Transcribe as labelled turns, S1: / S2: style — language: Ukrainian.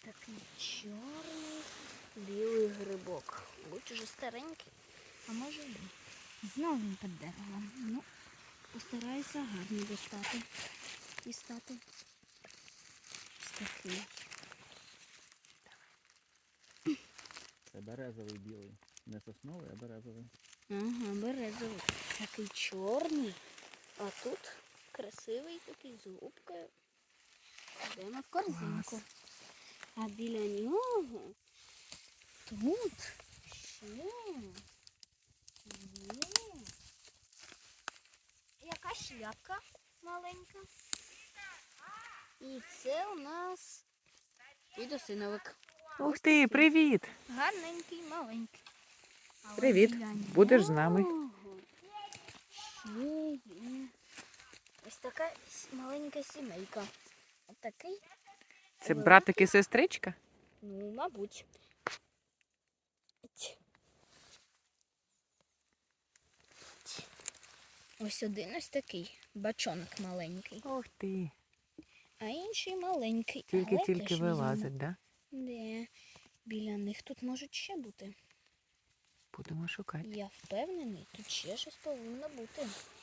S1: такий чорний білий грибок. Будь уже старенький, а може ні. Знову він під деревом. Ну, постараюся гарно дістати. Ось такий.
S2: Це березовий білий. Не сосновий, а березовий.
S1: Ага, березовий. Такий чорний. А тут красивий такий з губкою. Йдемо в корзинку.
S2: Клас.
S1: А біля нього тут ще є якась шляпка маленька. І це у нас підосиновик.
S3: Ух ти, привіт!
S1: Гарненький, маленький. Але
S3: Привіт.
S1: біля
S3: Будеш з нами?
S1: нього ще є ось така маленька сімейка. Отакий.
S3: Це братик і сестричка?
S1: Ну, мабуть. Ось один ось такий бачонок маленький,
S3: Ух ти.
S1: а інший маленький. Але
S3: Тільки-тільки
S1: теж візьмемо.
S3: вилазить, да?
S1: Де? Біля них тут можуть ще бути.
S3: Будемо шукати.
S1: Я впевнений, тут ще щось повинно бути.